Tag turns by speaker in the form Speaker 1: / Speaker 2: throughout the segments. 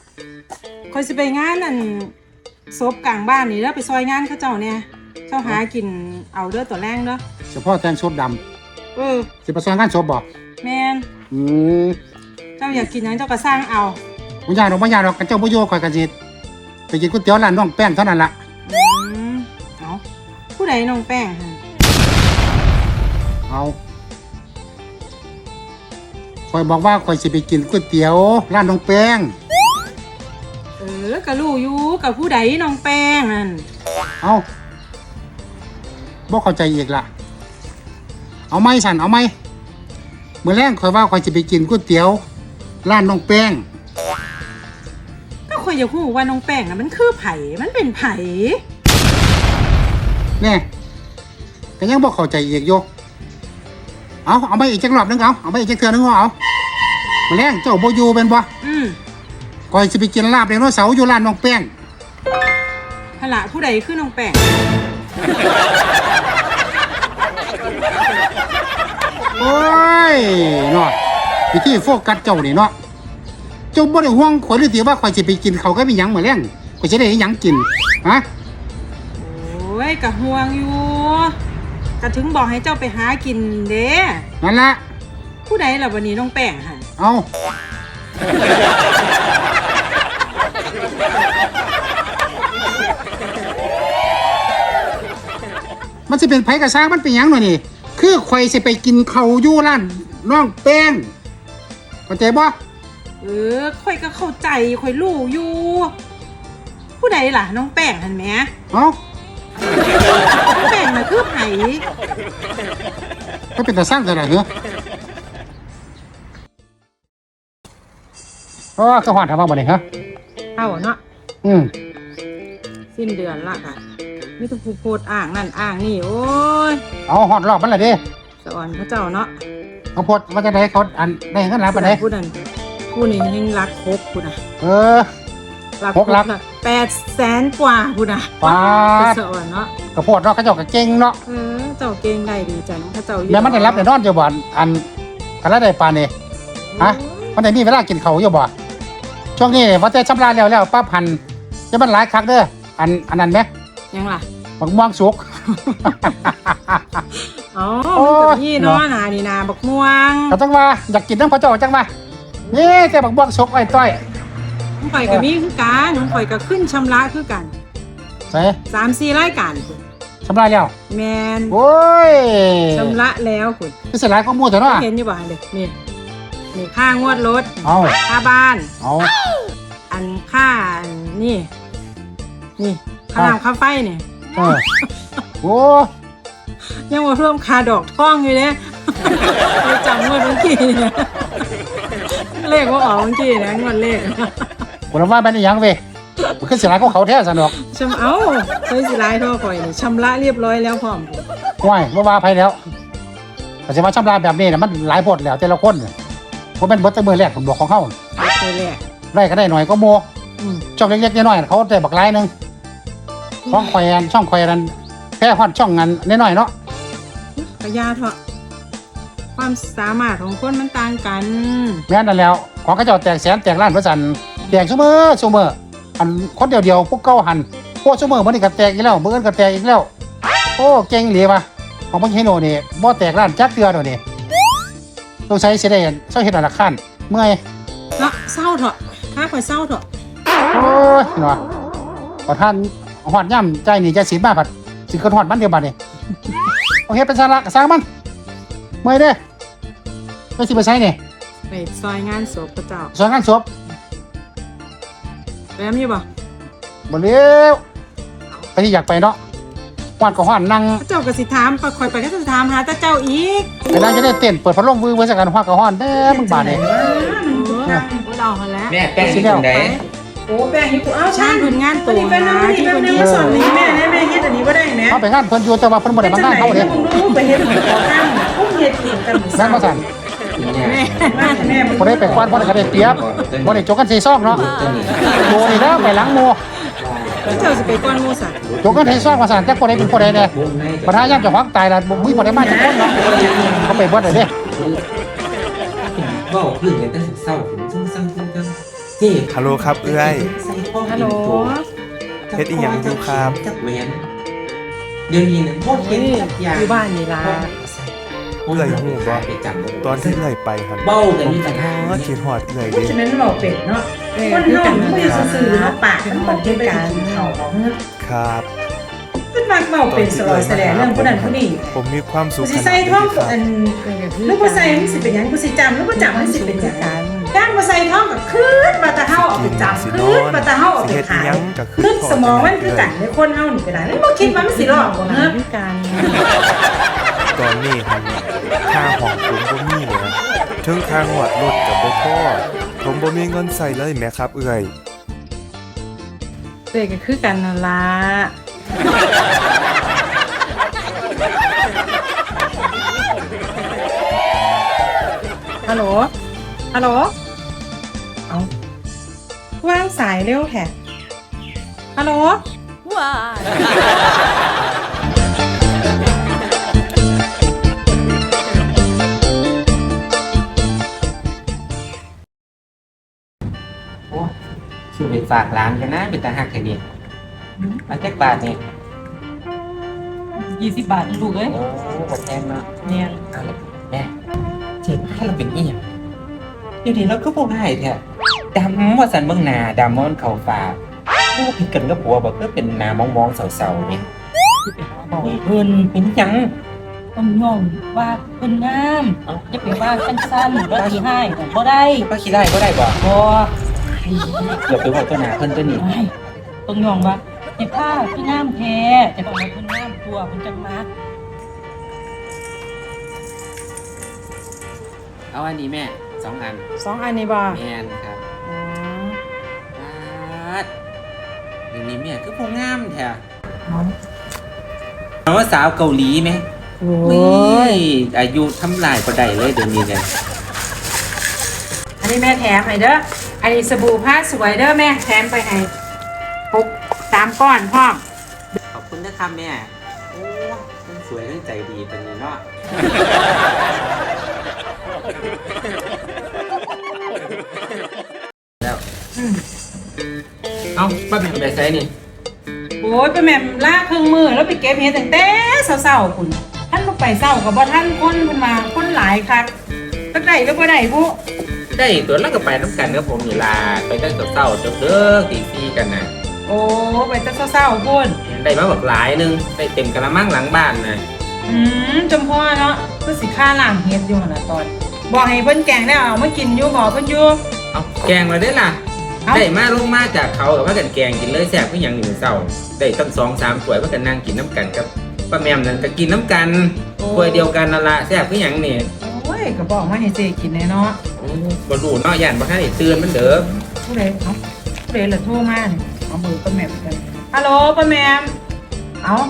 Speaker 1: คอยสิไปงานนั่นศพกลางบ้านนี่แล้วไปซอยงานเขาเจ้าเนี่ยเจ้าหากินเอาเด้อตัวแรงเด้อ
Speaker 2: เฉพาะแต่งศพดำสิไปซอยงานศพบ่
Speaker 1: แม่น
Speaker 2: อืม
Speaker 1: เจ้าอยากกินหยังเจ้าก็สร้างเอา
Speaker 2: บ่ยากดอกบ่ยากดอกกันเจ้าบ่อยู่ข่อยก็สิไปกินก๋วยเตี๋ยวร้านน้องแป้งเท่านั้นล่ะ
Speaker 1: เอาผู้ใดน้องแป้งฮะ
Speaker 2: เอาข่อยบอกว่าข่อยสิไปกินก๋วยเตี๋ยวร้านน้องแป้ง
Speaker 1: ก็รู้อยู่กับผู้ใดน้องแป้งนั่น
Speaker 2: เอาบ่เข้าใจอีกล่ะเอาไหมสั่นเอาไหมมื้อแรงข่อยว่าข่อยสิไปกินก๋วยเตี๋ยวร้านน้องแป้ง
Speaker 1: ก็ข่อยอยากรู้ว่าน้องแป้งน่ะมันคือไผมันเป็นไผ
Speaker 2: แน่ก็ยังบ่เข้าใจอีกอยู่เอาไปอีกจักรอบนึงเอาไปอีกจักเทื่อนึงเอามื้อแรงเจ้าบ่อยู่เป็นบ่ก่อยสิไปกินลาบไดโนเสาร์อยู่ร้านน้องแป้ง
Speaker 1: หละผู้ใดคือน้องแป้ง
Speaker 2: โอ้ยเนาะวิธีโฟกัสเจ้านี่เนาะเจ้าบ่ได้ห่วงข่อยหรือติว่าข่อยสิไปกินเขาก็มีหยังมื้อแรงข่อยสิได้หยังกินฮะ
Speaker 1: โอ้ยก็ห่วงอยู่ก็ถึงบอกให้เจ้าไปหากินเด้
Speaker 2: นั่นล่ะ
Speaker 1: ผู้ใดล่ะวันนี้น้องแป้งหั่น
Speaker 2: เอามันสิเป็นไผกระซ้างมันเป็นหยังหน่อยนี่คือข่อยสิไปกินเขาอยู่ร้านน้องแป้งเข้าใจบ่
Speaker 1: ข่อยก็เข้าใจข่อยรู้อยู่ผู้ใดล่ะน้องแป้งหั่นแหม
Speaker 2: น้
Speaker 1: องแป้งน่ะคือไผ
Speaker 2: ก็เป็นตาสร้างจังได๋เหรอคือฮอดถามว่าบ่ได้ฮะ
Speaker 1: เอาเนาะสิ้นเดือนละค่ะมีแต่ผู้โพดอ้างนั่นอ้างนี่โอ้ย
Speaker 2: เอาฮอดรอบมันล่ะเด้
Speaker 1: สอนพระเจ้าเนาะ
Speaker 2: เขาโพดว่าจะได้เขาอันได้เงินหลายปานใด
Speaker 1: ผู้นั้นผู้นี้ยังรักครบผู้น่ะรักครบน่ะ800,000 กว่าผู้น่ะ
Speaker 2: ป้า
Speaker 1: สอนเนาะ
Speaker 2: กระโพดเนาะเขาเจ้าก็เก่งเนาะ
Speaker 1: เจ้าเก่งได้ดีจังพระเจ้า
Speaker 2: แม่มันได้รับได้นอนอยู่บ่อันกันละได้ปานนี้ฮะมันได้มีเวลากินข้าวอยู่บ่ช่วงนี้ว่าแต่ชำระแล้วปั๊บหันจะมันหลายคักเด้ออันนั้นแม่
Speaker 1: ยังล่ะ
Speaker 2: บักม่วงสุก
Speaker 1: อ๋อมันนี่เนาะนานี่นาบักม่วง
Speaker 2: เขาจังว่าอยากกินน้ำพระเจ้าจังว่านี่แต่บักม่วงสุกไอ้ต้อย
Speaker 1: น้องข่อยก็มีคือกันน้องข่อยก็ขึ้นชำระคือกัน
Speaker 2: ใช่
Speaker 1: 3-4 รายการ
Speaker 2: ชำระแล้ว
Speaker 1: แมน
Speaker 2: โอ้ย
Speaker 1: ชำระแล้วคุณ
Speaker 2: คือเสียหลายก็มั่วแต่เนาะ
Speaker 1: เห็นอยู่บ่เด็กนี่ค่างวดรถค่าบ้านอันค่านี่ค่าน้ำค่าไฟเนี่ย
Speaker 2: โอ้
Speaker 1: ยังมาเพิ่มค่าดอกท่องอยู่เนี่ยไปจำงวดเมื่อกี้เนี่ยเลขว่าออกเมื่อกี้นะงวดเลข
Speaker 2: ผมว่าเป็นยังเว้ยมันขึ้นเสียหลายก็เขาแท้สนุก
Speaker 1: ใช้สิไลท่อคอยนี่ชำระเรียบร้อยแล้วพร้อม
Speaker 2: ว่ายว่าไปแล้วแต่จะมาชำระแบบนี้นะมันหลายบทแล้วแต่ละคนเพราะเป็นบทมือแรกผมบอกของเขาได้ก็ได้หน่อยก็โมช่องเล็กๆน้อยๆเขาแต่บักไล่นึงช่องคอยนันแค่ฮอดช่องนั้นน้อยๆเนาะ
Speaker 1: กระยาเถอะความสามารถของคนมันต่างกัน
Speaker 2: แม่นั่นแล้วของเขาเจ้าแตกแสนแตกล้านพระจันทร์แตกซุมื้ออันคนเดียวพวกเก้าหันพวกซุมื้อมันนี่ก็แตกอีกแล้วมื้ออื่นก็แตกอีกแล้วโอ้เก่งเหลือว่ะของพ่อเฮโนนี่บ่แตกล้านจักเทื่อโดนี่ต้องใช้เสียได้เศร้าเฮ็ดอันละขั้นเมื่อย
Speaker 1: เนาะเศร้าเถอะถ้าข่อยเศร้าเถอะ
Speaker 2: โอ้ยเนาะขอท่านฮอดย่ำใจนี่ใจศีลมาผัดสิเกิดฮอดมันเดียวบัดนี่โอเคเป็นสาระสร้างมันเมื่อยเด้ไปสิไปใช้นี่
Speaker 1: ไปซอยงานศพพระเจ้า
Speaker 2: ซอยงานศพ
Speaker 1: ไปมีบ่
Speaker 2: บ่เร็วไปที่อยากไปเนาะฮอดก็ฮอดนั่ง
Speaker 1: พระเจ้าก็สิถามข่อยไปก็สิถามหาแต่เจ้าอีก
Speaker 2: ไปนั่งจะได้เต้นเปิดพัดลมวื้อๆสักกันฮอดก็ฮอดเด้อมึงบาดนี่
Speaker 1: เราหั่นแล้ว
Speaker 3: แม่แป้งสิจังได๋
Speaker 1: โอ้แป้งนี่กูชาญผลงานตัวนะที่คนนี้มาสอนนี่แม่เฮ็ดอันนี้บ่ได้แม่
Speaker 2: เขาไปงานเพิ่นอยู่แต่ว่าเพิ่นบ่ได้มางานเขาเด้
Speaker 1: ไปเฮ็ดขอข้างพุ่งเฮ็ดกินกัน
Speaker 2: นั่นมาสั่นแม่บ่ได้ไปควันบ่ได้ก็ได้เปรียบบ่ได้จกกันใส่ซองเนาะโมนี่แล้วไปหลังโม
Speaker 1: เจ้าสิไปก้อนโมสั่น
Speaker 2: จกกันใส่ซองว่าสั่นจักบ่ได้เป็นบ่ได้แน่ปัญหายามเจ้าของตายล่ะบ่บ่ได้มาจักคนเนาะเขาไปเบิดได้เด้
Speaker 3: เว้าพื้นกันแต่เศร้าซึ่งนี่
Speaker 4: ฮัลโหลครับเอื้อย
Speaker 3: ใส่พ่อ
Speaker 1: ฮัลโหล
Speaker 4: เฮ็ดอีหยังอยู่ครับ
Speaker 3: จักแหวนเดี๋ยวนี้นะพ่อเห็นจักอย่าง
Speaker 1: อยู่บ้านนี่ล่ะ
Speaker 4: เอื้อยหูบ่
Speaker 3: ไปจำบ่
Speaker 4: ตอนที่เอื้อยไปหัน
Speaker 3: เบ้ากัน
Speaker 4: ผม
Speaker 3: นี่
Speaker 4: คิ
Speaker 3: ต่าง
Speaker 4: ด
Speaker 3: หาก
Speaker 4: ฮอดคิดฮอดเอื้อย
Speaker 5: เพราะ
Speaker 4: เด้
Speaker 5: ฉะนั้นเราเป็ดเนาะ คนเฮามันไม่ซื่อๆเนาะปากมันบอกจะไปกินข้าวของเนาะ
Speaker 4: ครับ
Speaker 5: มันมักเมาเป็นสลอยแสดงเรื่องผู้นั้นผู้นี้
Speaker 4: ผมมีความสุ
Speaker 5: กู
Speaker 4: ข
Speaker 5: สิ
Speaker 4: ขนาด
Speaker 5: ใส่
Speaker 4: นี้
Speaker 5: ท่อง
Speaker 4: ครับ
Speaker 5: อันหรือบ่ใส่มันสิเป็นหยังกูสิจำหรือบ่จำมันสิเป็นหยังด้านบ่ใส่ท่องก็คืนมาตะเฮาเอาไปจำคืนมาตะเฮาเอาไปขายคืนสมองมันคือกันในคนเฮานี่ก็ได้มันบ่คิดว่ามันสิรอดบ่เนาะ
Speaker 1: พิการ
Speaker 4: ตอนนี้หันค่าของผมบ่มีเลยถึงค่างวดรถกับบ่พอผมบ่มีเงินใส่เลยแหมครับเอื้อย
Speaker 1: เด็กก็คือกันนั่นล่ะฮัลโหลฮัลโหลเอาวางสายเร็วแท้ฮัลโหล
Speaker 3: โอ้ชื่อไปฝากร้านกันนะเป็นตาหักแค่นี้มาจักบาทนี่
Speaker 1: 20 บาทลูกเอ้ย
Speaker 3: โอ้บ่แพงเนาะ
Speaker 1: เนี่ย
Speaker 3: เอาละแม่เจ็ดถ้าเราเป็นอีหยังเดี๋ยวนี้เราก็บ่ง่ายแท้ดำว่าสันเบิ่งหน้าดำมันเข้าฟ้าบ่ผิดกันกับผัวบ่ก็เป็นหน้ามองๆเศร้าๆนี่บอกเพิ่นเป็นหยัง
Speaker 6: ต้องยอมว่าเพิ่นงามอย่าไปว่าสั้นๆว่าสิให้ก็บ่ได้
Speaker 3: ป้าขี้ได้บ่ได้บ่
Speaker 6: บ่
Speaker 3: เกือบไปบอกตัวหน้าเพิ่นตัวนี้
Speaker 6: ไม่ต้องยอมว่าเฮ็ดผ้าคืองามแท้จะบอกว่าเพิ่นงามตัวเพิ่นจังมัก
Speaker 3: เอาอันนี้แม่2 อัน
Speaker 1: 2 อันนี้บ่
Speaker 3: แม่นครับ
Speaker 1: อ๋อ
Speaker 3: ปาดเดี๋ยวนี้แม่คือบ่งามแท้เอาว่าสาวเกาหลีไหม
Speaker 1: โอ้
Speaker 3: โอ้
Speaker 1: ย
Speaker 3: ยอายุทำลายบ่ได้เลยเดี๋ยวนี้เนี่ย
Speaker 1: อันนี้แม่แถมให้เด้ออันนี้สบู่ผ้าสวยเด้อแม่แถมไปให้3 ก้อนพร้อม
Speaker 3: ขอบคุณนะครับแม่โอ้คนสวยเรื่องใจดีตอนนี้เนาะ แล้ว
Speaker 1: อืม
Speaker 3: เอาป้าแม่ไปใส่นี่
Speaker 1: โอ้ยไปแม่มลากเครื่องมือแล้วไปเก็บเห็ดตั้งแต่เช้าๆคุณท่านบ่ไปเช้าก็บ่ทันคนเพิ่นมาคนหลายคักจักได้หรือบ่ได้บุ
Speaker 3: ได้ตัวแล้วก็ไปน้ำกันกับผมนี่ล่ะไปตั้งแต่เช้าจนเด้อตีสี่กันนะ
Speaker 1: โอ้ไปแต่เช้าๆพุ่น
Speaker 3: ได้มาแบบหลายหนึงได้เต็มกระมังหลังบ้านนะ
Speaker 1: จำพ่อเนาะคือสิค่าล้างเห็ดอยู่หั่นน่ะตอนบอกให้เพิ่นแกงแล้วเอามากินอยู่บ่เพิ่นอยู่
Speaker 3: เอาแกงมาได้อล่ะ
Speaker 1: เอ้า
Speaker 3: ได้มาลงมาจากเขากับว่ากันแกงกินเลยแซ่บคือหยังหนึ่งเช้าได้ตั้ง2-3ถ้วยว่ากันนั่งกินน้ำกันกับป้าแมมนั่นก็กินน้ำกันถ้วยเดียวกันนั่นละแซ่บคือหยังนี่
Speaker 1: โอ้ยก็บอกมาให้เจกินแน่เนาะ
Speaker 3: บ่รู้เนาะย่านบ่ทันได้ตื่นมันเด้อ
Speaker 1: ผู้ใดเอ้าผู้ใดล่ะโทรมาเนี่ยเอาเบอร์ป้าแหม่มกันฮัลโหลป้าแหม่มเอ้า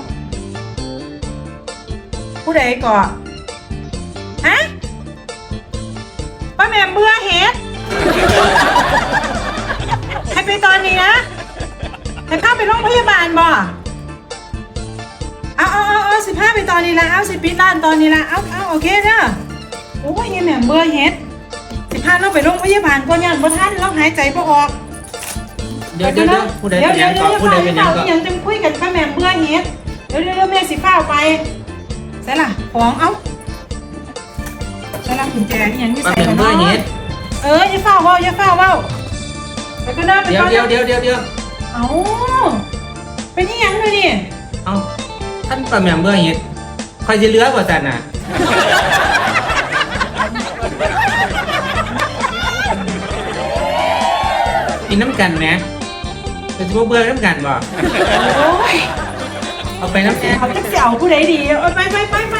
Speaker 1: ผู้ใดก่อฮะป้าแหม่มเบื่อเห็ดให้ไปตอนนี้นะให้เข้าไปโรงพยาบาลบ่เอา15ไปตอนนี้ละเอาสิปิดร้านตอนนี้ละเอาโอเคเด้อโอ้ยเฮียแหม่มเบื่อเห็ด15เราไปโรงพยาบาลก่อนยันบ่ทันเราหายใจบ่ออก
Speaker 3: เดี๋ยวผู้ใดเป็นหยังก็ผู้ใดเป็นหยังก็
Speaker 1: ยังจะคุยกันป้าแหม่มเบื่อเฮ็ดเดี๋ยวแม่สิฟ้าวไปใส่ล่ะของเอ้าใส่ล่ะกุญแจอีหยังมี
Speaker 3: ป้า
Speaker 1: ใส่
Speaker 3: แม่
Speaker 1: กัน
Speaker 3: เมื่อ
Speaker 1: เนาะ
Speaker 3: เฮ็ด
Speaker 1: อย่าฟ้าวเว้าไปก็ได้ไป
Speaker 3: เดี๋ยว
Speaker 1: ก่อน
Speaker 3: เดี๋ยวเดี๋ยวเดี๋ยวเดี๋ยว
Speaker 1: เอ้าเป็นอีหยังเลยนี่
Speaker 3: เอาท่านป้าแม่เมื่อเฮ็ดคอยสิเหลือกว่าซั่นน่ะกินน้ำกันแหมจะสิบ่เบื่อน้ำกันบ่
Speaker 1: โอ้ย
Speaker 3: เอาไปน้ำแกง
Speaker 1: เขาจะเสี่ยวผู้ใดดีไป